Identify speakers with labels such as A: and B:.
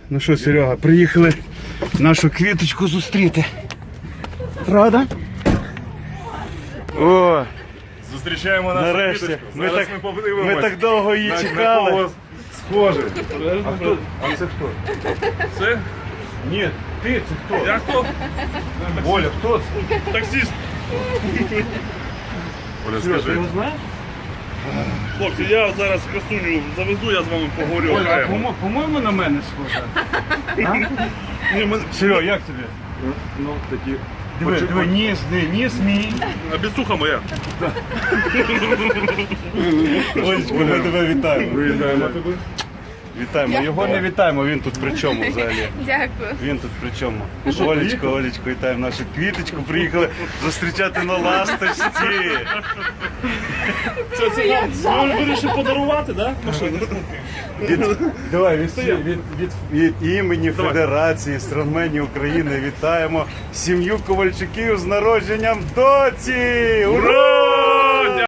A: Ну що, Серега, приїхали нашу квіточку зустріти. Правда? О,
B: Зустрічаємо нашу
A: нарешті.
B: квіточку.
A: Ми
B: Зараз
A: так,
B: ми подивимось.
A: ми так довго її
B: на
A: чекали.
B: кого схоже.
A: А це хто?
B: Це?
A: Ні, ти це хто?
B: Я хто?
A: Оля, хто це?
B: Таксист. Оля,
A: Серега, ти
B: скажи.
A: його знаєш?
B: Хлопці, я зараз красуню завезу, я з вами поговорю.
A: Оля, а
B: окремо.
A: по-моєму на мене схожа.
B: Ні, ми...
A: Серега, як тобі?
B: Ну, такі...
A: Диви, ніс мій.
B: А біцуха моя.
A: Олечко, ми тебе вітаємо.
B: Вітаємо тебе.
A: Вітаємо. Його не вітаємо, він тут при чому взагалі?
C: Дякую.
A: Він тут при чому? Олечко, вітаємо нашу квіточку. Приїхали зустрічати на ласточці.
B: Це вирішив подарувати, так? Машину?
A: Давай, від імені Федерації стронгменів України вітаємо сім'ю Ковальчуків з народженням доці! Ура!